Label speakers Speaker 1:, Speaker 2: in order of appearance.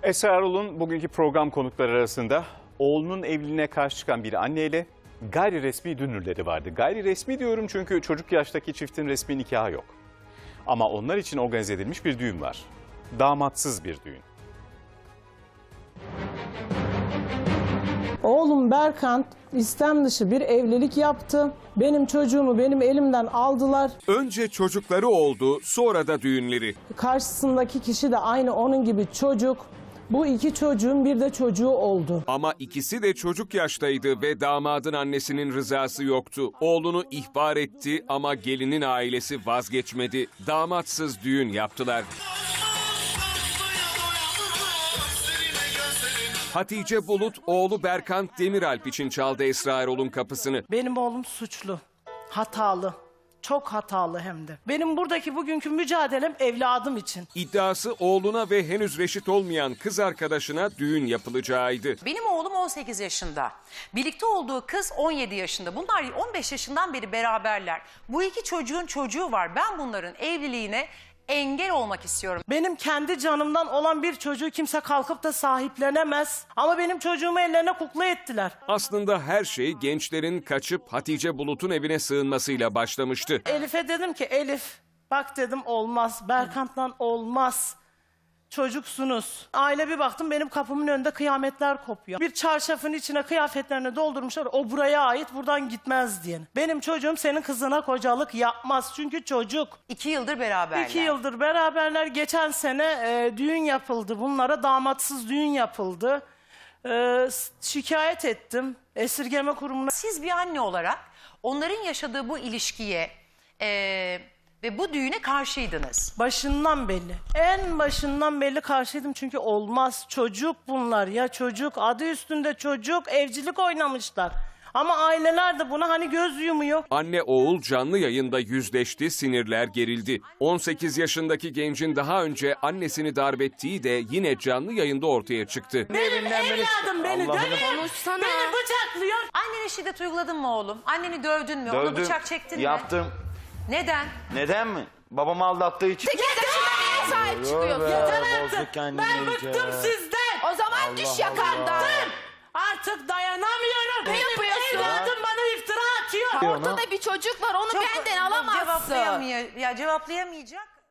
Speaker 1: Esra Erol'un bugünkü program konukları arasında oğlunun evliliğine karşı çıkan bir anneyle gayri resmi dünürleri vardı. Gayri resmi diyorum çünkü çocuk yaştaki çiftin resmi nikahı yok. Ama onlar için organize edilmiş bir düğün var. Damatsız bir düğün.
Speaker 2: Oğlum Berkant istem dışı bir evlilik yaptı. Benim çocuğumu benim elimden aldılar.
Speaker 3: Önce çocukları oldu, sonra da düğünleri.
Speaker 2: Karşısındaki kişi de aynı onun gibi çocuk. Bu iki çocuğun bir de çocuğu oldu.
Speaker 3: Ama ikisi de çocuk yaştaydı ve damadın annesinin rızası yoktu. Oğlunu ihbar etti ama gelinin ailesi vazgeçmedi. Damatsız düğün yaptılar. Hatice Bulut, oğlu Berkant Demiralp için çaldı Esra Erol'un kapısını.
Speaker 4: Benim oğlum suçlu, hatalı, çok hatalı hem de. Benim buradaki bugünkü mücadelem evladım için.
Speaker 3: İddiası oğluna ve henüz reşit olmayan kız arkadaşına düğün yapılacağıydı.
Speaker 5: Benim oğlum 18 yaşında. Birlikte olduğu kız 17 yaşında. Bunlar 15 yaşından beri beraberler. Bu iki çocuğun çocuğu var. Ben bunların evliliğine engel olmak istiyorum.
Speaker 4: Benim kendi canımdan olan bir çocuğu kimse kalkıp da sahiplenemez. Ama benim çocuğumu ellerine kukla ettiler.
Speaker 3: Aslında her şey gençlerin kaçıp Hatice Bulut'un evine sığınmasıyla başlamıştı.
Speaker 4: Elif'e dedim ki Elif bak dedim olmaz. Berkant'la olmaz. Çocuksunuz. Aile bir baktım benim kapımın önünde kıyametler kopuyor. Bir çarşafın içine kıyafetlerini doldurmuşlar. O buraya ait buradan gitmez diye. Benim çocuğum senin kızına kocalık yapmaz. Çünkü çocuk.
Speaker 5: 2 yıldır beraberler.
Speaker 4: 2 yıldır beraberler. Geçen sene düğün yapıldı. Bunlara damatsız düğün yapıldı. Şikayet ettim esirgeme kurumuna.
Speaker 5: Siz bir anne olarak onların yaşadığı bu ilişkiye ve bu düğüne karşıydınız.
Speaker 4: Başından belli. En başından belli karşıydım çünkü olmaz. Çocuk bunlar ya çocuk. Adı üstünde çocuk. Evcilik oynamışlar. Ama aileler de buna hani göz yumuyor.
Speaker 3: Anne oğul canlı yayında yüzleşti, sinirler gerildi. 18 yaşındaki gencin daha önce annesini darp ettiği de yine canlı yayında ortaya çıktı.
Speaker 4: Benim evladım beni dövüyor. Beni bıçaklıyor.
Speaker 5: Annene şiddet uyguladın mı oğlum? Anneni dövdün mü? Ona
Speaker 6: Dövdüm,
Speaker 5: bıçak çektin mi?
Speaker 6: yaptım.
Speaker 5: Neden?
Speaker 6: Neden mi? Babamı aldattığı için.
Speaker 7: Sahip çıkıyorsun.
Speaker 4: Ben bıktım sizden.
Speaker 7: O zaman düş yakandan.
Speaker 4: Artık dayanamıyorum.
Speaker 7: Ne yapıyorsun?
Speaker 4: Evladım bana iftira atıyor.
Speaker 7: Ortada bir çocuk var, onu benden alamazsın.
Speaker 5: Cevaplayamayacak.